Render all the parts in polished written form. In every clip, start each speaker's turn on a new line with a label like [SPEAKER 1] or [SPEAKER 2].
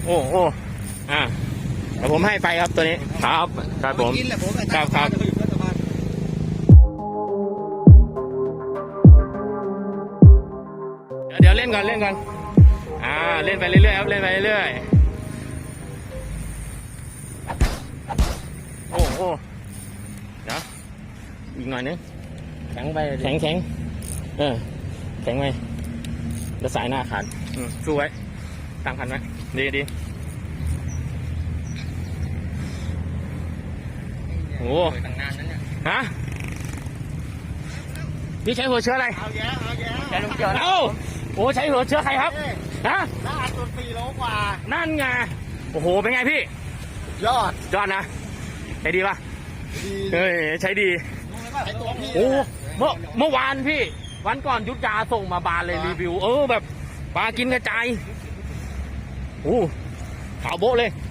[SPEAKER 1] โอ้โอ้เดี๋ยวผมให้ไปครับตัวนี้ครับครับผมครับเดี๋ยวเล่นก่อนเล่นไปเรื่อยๆครับเล่นไปเรื่อยๆโอ้โอ้เดี๋ยวอีกหน่อยนึงแข็งไปแข็งแข็งไปแล้วสายหน้าขาดสู้ไว้ตั้งคันไว้ดีโอ้ตั้งนานนั้นเนี่ยฮะพี่ใช้หัวเชื้ออะไรเอาแย่ใช้ลูกเจือเอ้าโอ้ใช้หัวเชื้อใครครับฮะน้าอัดตัว4 โลกว่านั่นไงโอ้โหเป็นไงพี่ยอดนะใช้ดีป่ะใช้ดีโอ้เมื่อวานพี่วันก่อนยุทธยาส่งมาบานเลยรีวิวแบบปลากินกระจายโอ้ขาวโบ๊ะเลย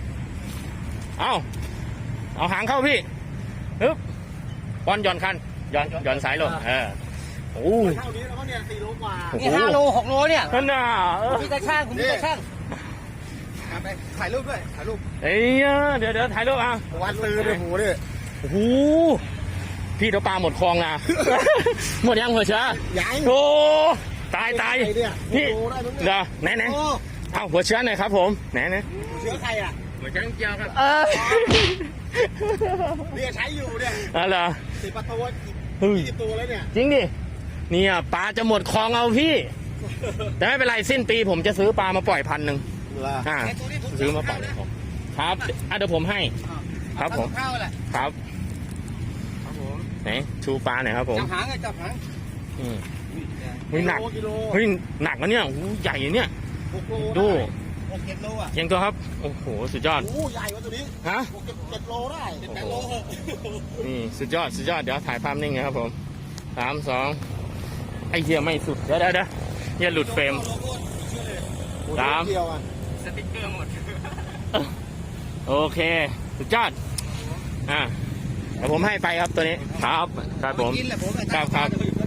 [SPEAKER 1] เอาหางเข้าพี่ฮึบบอลหย่อนคันหย่อนสายลงโอ้เท่านี้แล้วก็เนี่ย4 โลกว่านี่5 โล 6 โลเนี่ยนั่นน่ะคุณมีตาช่างไปถ่ายรูปด้วยถ่ายรูปเดี๋ยวถ่ายรูปวันซื้อด้วยหูดิโอ้โหพี่ตัวปลาหมดคลองนะหมดยังหัวเชื้อยังโอ้ตายพี่เดี๋ยวไหนเอาหัวเชื้อหน่อยครับผมไหนหัวเชื้อใครหัวเชื้อเจียวครับเนี่ยใช้อยู่เนี่ยอะไร10 ประตู20 ตัวแล้วเนี่ยจริงดิเนี่ยปลาจะหมดคลองเอาพี่แต่ไม่เป็นไรสิ้นปีผมจะซื้อปลามาปล่อย1,000ซื้อมาปล่อยครับเดี๋ยวผมให้ครับผมครับไหนชูปลาหน่อยครับผมจับหางหนักหนักนะเนี่ยใหญ่เนี่ยดู6-7 โลเชียงตัวครับโอ้โหสุดยอดใหญ่กว่าตัวนี้ฮะ7 โลได้8 โลนี่สุดยอดเดี๋ยวถ่ายภาพนิ่งนะครับผม3 2ไอเหี้ยไม่สุดเดี๋ยวอย่าหลุดเฟรม3สติ๊กเกอร์หมดโอเคสุดยอดเดี๋ยวผมให้ไปครับตัวนี้ครับผมครับ